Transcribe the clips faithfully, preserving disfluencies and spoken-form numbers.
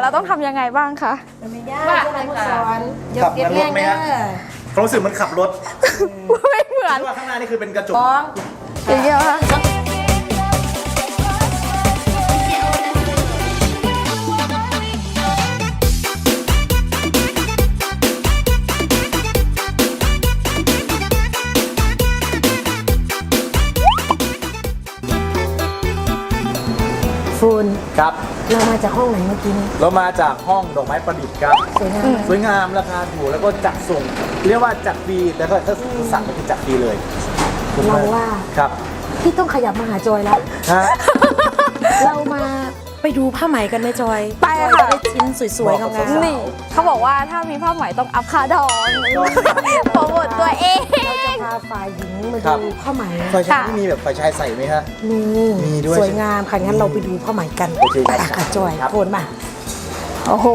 เราต้องทำยังไงบ้างคะไม่ยากอะไรผู้สอนยกเก็บแรงนะความรู้สึกมันขับรถไม่เหมือนว่าข้างหน้านี่คือเป็นกระจกอย่างเงี้ยค่ะฟูนครับเรามาจากห้องไหนเมื่อกี้นี้เรามาจากห้องดอกไม้ประดิษฐ์ครับสวยงามสวยงามราคาถูกแล้วก็จัดส่งเรียกว่าจัดฟรีแล้วก็ถ้าสั่งก็คือจัดฟรีเลยเราว่าครับพี่ต้องขยับมาหาจอยแล้วเรามาไปดูผ้าไหมกันไหมจอยไปค่ะได้ชิ้นสวยๆงามๆนี่เขาบอกว่าถ้ามีผ้าไหมต้องอัพค่าดองโปรโมทตัวเองเราจะพาฝ่ายหญิงมาดูผ้าไหมฝ่ายชายมีแบบฝ่ายชายใส่ไหมฮะมีมีด้วยสวยงามค่ะงั้นเราไปดูผ้าไหมกันไปค่ะจอยโผล่มาโอ้โห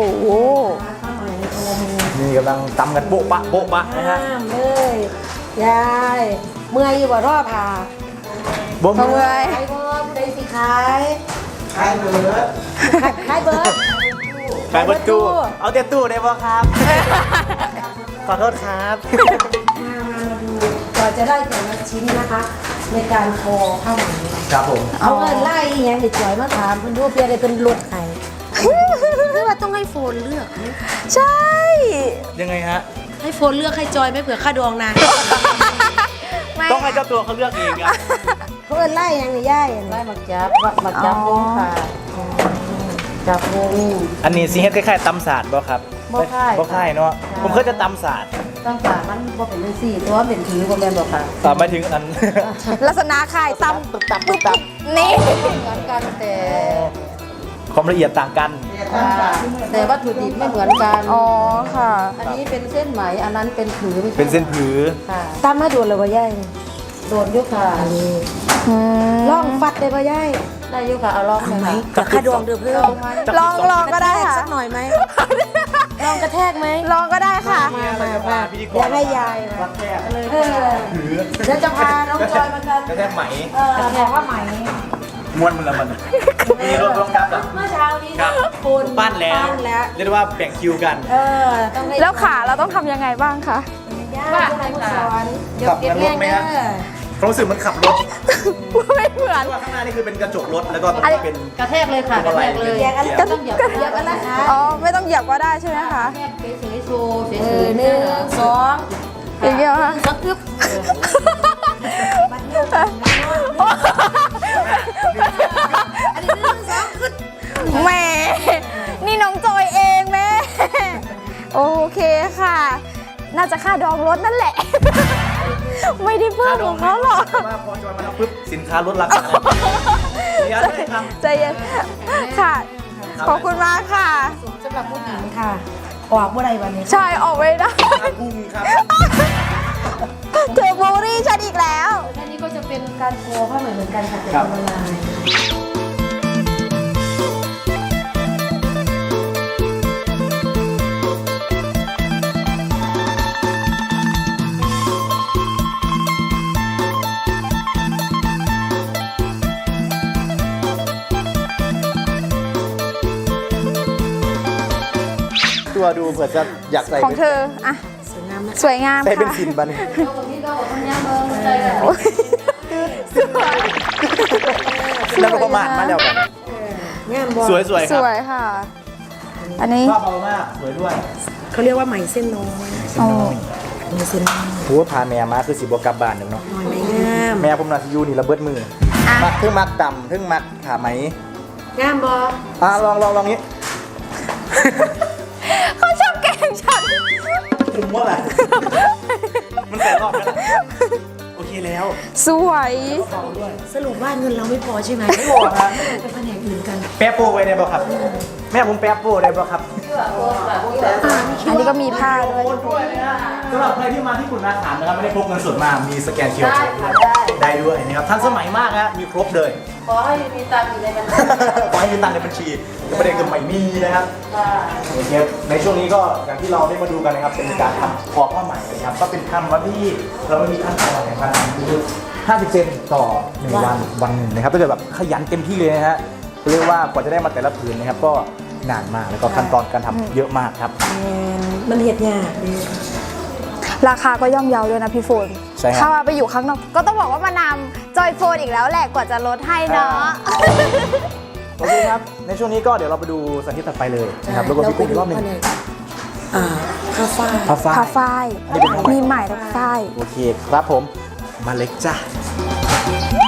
นี่กำลังตำกันโบ๊ะปะโบ๊ะปะนะฮะเลยยายเมื่อยอยู่บ่รอผ่าบ่เมื่อยขายบ่ผู้ใดสิขายขายเบิร์ดขายเบิร์ดขายเบิร์ดตู้เอาเตี้ยตู้ได้ป่ะครับขอโทษครับมามาดูก่อนจะได้แต่ละชิ้นนะคะในการทอผ้าไหมครับผมเอาเงินไล่ยังเด็กจอยมาถามคุณดูเพียอะไรเป็นรถไข่คือว่าต้องให้โฟนเลือกใช่ยังไงฮะให้โฟนเลือกให้จอยไม่เผื่อค่าดองนะต้องให้เจ้าตัวเขาเลือกเองอะเพื่อนไล่ยังไงย่ายไล่มาจับมาจับวงค่ะจับวงอันนี้สิเฮ็ดคล้ายๆตำศาสตร์บ่ครับบ่ค่ายบ่ค่ายเนาะผมเคยจะตำศาสตร์ตำศาสตร์มันบ่เป็นสี่ตัวเป็นถือบ่แม่นบ่ค่ะอ่าหมายถึงอันลักษณะคล้ายตำตุ๊บตับตุ๊บตับนี่เหมือนกันแต่ความละเอียดต่างกันแต่วัตถุดิบไม่เหมือนกันอ๋อค่ะอันนี้เป็นเส้นไหมอันนั้นเป็นผือเป็นเส้นผือค่ะตำมาโดนเลยว่าย่ายโดนยุค่ะล่องฟัดได้ป่ะย่ายได้ยุค่ะเอาลองไหมกับข้าดวงเดือเพื่อลองลองก็ได้ค่ะสักหน่อยไหมลองกระแทกไหมลองก็ได้ค่ะมามามาอยากให้ยายเลยเดี๋ยวจะพาน้องจอยมากันกระแทกไหมเออกระแทกว่าไหมม้วนมันละมันมีรถรถกลับอ่ะเมื่อเช้านี้คนปั้นแล้วเรียกว่าแบ่งคิวกันเออแล้วขาเราต้องทำยังไงบ้างคะว่าอะไรผู้สอนยกเก็บแรงนะความรู้สึกมันขับรถไม่เหมือนว่าข้างหน้านี่คือเป็นกระจกรถแล้วก็เป็นกระแทกเลยค่ะกระแทกเลยก็ต้องเหยียบเหยียบอะไรคะอ๋อไม่ต้องเหยียบก็ได้ใช่ไหมคะแทกเฉยๆโชว์เฉยๆหนึ่งสองอย่างเงี้ยค่ะสักทึบอันนี้หนึ่งสองขึ้นแม่นี่น้องจอยเองแม่โอเคค่ะน่าจะค่าดองรถนั่นแหละไม่ได้เพิ่มของเขาหรอกพอจอยมาทำปุ๊บสินค้าลดราคาใจเย็นค่ะขอบคุณมากค่ะสำหรับผู้หญิงค่ะออกเมื่อไรวันนี้ใช่ออกไม่ได้พุ่งครับเจอบูรี่ฉันอีกแล้วอันนี้ก็จะเป็นการโคผ้าไหมเหมือนกันค่ะเป็นออนไลน์ตัวดูเผื่อจะอยากใส่ของเธออะสวยงามใส่เป็นสินบันแล้วก็ประมาณมาแล้วกันสวยสวยสวยค่ะอันนี้ภาพเบามากสวยด้วยเขาเรียกว่าไหมเส้นน้อยไหมเส้นน้อยโหพาแม่มาคือสิบกลับบ้านหนึ่งเนาะแม่ผมน่าจะอยู่นี่ระเบิดมือมักทึ่งมักต่ำทึ่งมักขาไหมงามบออ่ะลองลองลองนี้เขาชอบแกล้งฉันคุมว่าอะไรมันแต่รอบแล้วโอเคแล้วสวยสรุปว่าเงินเราไม่พอใช่ไหมไม่พอครับเป็นแผนกอื่นกันแป๊บโปไว้ได้ป่ะครับแม่ผมแป๊บโปได้ป่ะครับอันนี้ก็มีผ้าด้วยสำหรับใครที่มาที่คุณอาหารนะครับไม่ได้พกเงินสดมามีสแกนคิวอาร์ได้ด้วยนะครับทันสมัยมากนะมีครบเลยขอให้มีตังค์อยู่ในบัญชีขอให้มีตังค์ในบัญชีแต่ประเด็นคือไม่มีนะครับโอเคในช่วงนี้ก็อย่างที่เราได้มาดูกันนะครับเป็นการทำคอผ้าไหมนะครับก็เป็นคำว่าที่เราไม่มีขั้นตอนในการทำคือห้าสิบเซนต่อหนึ่งวันวันหนึ่งนะครับถ้าเกิดแบบขยันเต็มที่เลยนะฮะเรียกว่ากว่าจะได้มาแต่ละผืนนะครับก็นานมากแล้วก็ขั้นตอนการทำเยอะมากครับมันเห็ดยากดีราคาก็ย่อมเยาด้วยนะพี่โฟนใช่ครับถ้าว่าไปอยู่ข้างนอกก็ต้องบอกว่ามานำจอยโฟนอีกแล้วแหละกว่าจะลดให้เนาะโอเคครับในช่วงนี้ก็เดี๋ยวเราไปดูสาธิตถัดไปเลยนะครับแล้วก็พี่กุ้งอีกรอบหนึ่งอ่าผ้าฝ้ายผ้าฝ้ายผ้าฝ้ายอันนี้เป็นผ้าไหมมีใหม่ทั้งฝ้ายโอเคครับผมมาเล็กจ้า